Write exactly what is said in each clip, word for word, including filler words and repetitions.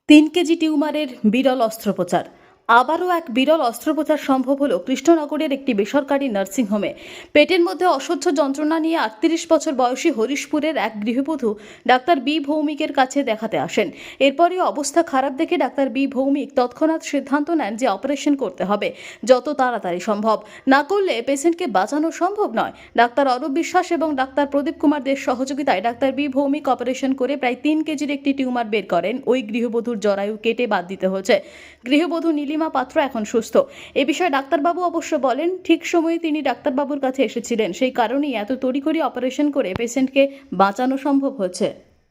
তিন কেজি টিউমারের বিরল অস্ত্রোপচার। আবারও এক বিরল অস্ত্রোপচার সম্ভব হলো কৃষ্ণনগরের একটি বেসরকারি নার্সিংহোমে। পেটের মধ্যে অসহ্য যন্ত্রণা নিয়ে আটত্রিশ বছর বয়সী হরিশপুরের এক গৃহবধূ ডাক্তার বি ভৌমিকের কাছে দেখাতে আসেন। এরপরই অবস্থা খারাপ দেখে ডাক্তার বি ভৌমিক তৎক্ষণাৎ সিদ্ধান্ত নেন যে অপারেশন করতে হবে, যত তাড়াতাড়ি সম্ভব। না করলে পেশেন্টকে বাঁচানো সম্ভব নয়। ডাক্তার অরূপ বিশ্বাস এবং ডাক্তার প্রদীপ কুমার দের সহযোগিতায় ডাক্তার বি ভৌমিক অপারেশন করে প্রায় তিন কেজির একটি টিউমার বের করেন। ওই গৃহবধূর জরায়ু কেটে বাদ দিতে হয়েছে। গৃহবধূ নীলিমা পাত্র এখন সুস্থ। এ বিষয়ে ডাক্তারবাবু অবশ্য বলেন, ঠিক সময়ে তিনি ডাক্তারবাবুর কাছে এসেছিলেন, সেই কারণেই এত তড়িঘড়ি অপারেশন করে পেশেন্টকে বাঁচানো সম্ভব হয়েছে।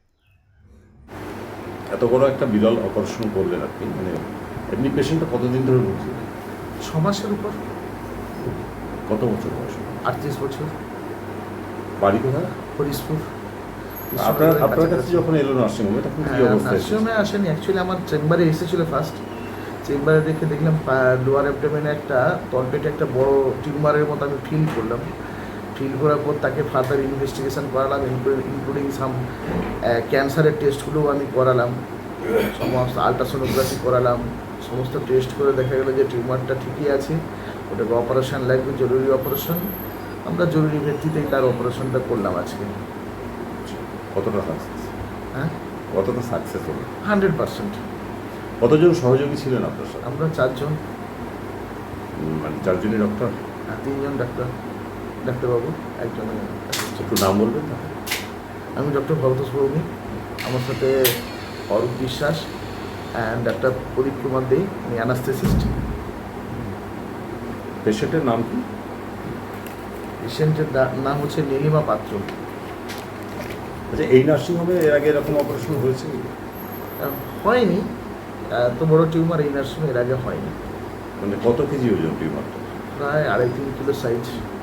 এত বড় একটা বিরল অপারেশন করলেন আপনি, মানে এমনি পেশেন্টটা কতদিন ধরে ভুগছে? ছ মাসের উপর। কত বছর বয়স? আটত্রিশ বছর। বাড়ি কোথায়? হরিশপুর। আপনার আপনার কাছে যখন এলো নার্সিংহোমে তখন কি অবস্থা? নার্সিংহোমে আসেনি, অ্যাকচুয়ালি আমার চেম্বারে এসেছিল ফার্স্ট। চেম্বারে দেখে দেখলাম লোয়ার অ্যাবডোমেনে একটা তলপেটে একটা বড় টিউমারের মতো আমি ফিল করলাম। ফিল করার পর তাকে ফার্দার ইনভেস্টিগেশন করালাম, ইনক্লুডিং সাম ক্যান্সারের টেস্টগুলোও আমি করালাম, সমস্ত আলট্রাসোনোগ্রাফি করালাম। সমস্ত টেস্ট করে দেখা গেলো যে টিউমারটা ঠিকই আছে, ওটাকে অপারেশন লাগবে, জরুরি অপারেশন। আমরা জরুরি ভিত্তিতেই তার অপারেশনটা করলাম আজকে। কতটা সাকসেস? হ্যাঁ, কতটা সাকসেস হলো? Hundred percent. কতজন সহযোগী ছিলেন আপনার সাথে? আমরা চারজন, মানে চারজনই ডক্টর? হ্যাঁ, তিনজন ডাক্তার, ডাক্তারবাবু, একজন। একটু নাম বলবেন না? আমি ডক্টর ভরতোষ ভৌমিক, আমার সাথে অরূপ বিশ্বাস অ্যান্ড ডাক্তার প্রদীপ কুমার দে, উনি অ্যানাস্থেসিস্ট। পেশেন্টের নাম কি? পেশেন্টের নাম হচ্ছে নীলিমা পাত্র। আচ্ছা, এই নার্সিংহোমে এর আগে এরকম অপারেশন হয়েছে কি? আহ, হয়নি, এত বড় টিউমার এই নার্সিংহোমে এর আগে হয়নি। মানে কত কেজি ওজন টিউমারটা? প্রায় আড়াই তিন কিলো সাইজ।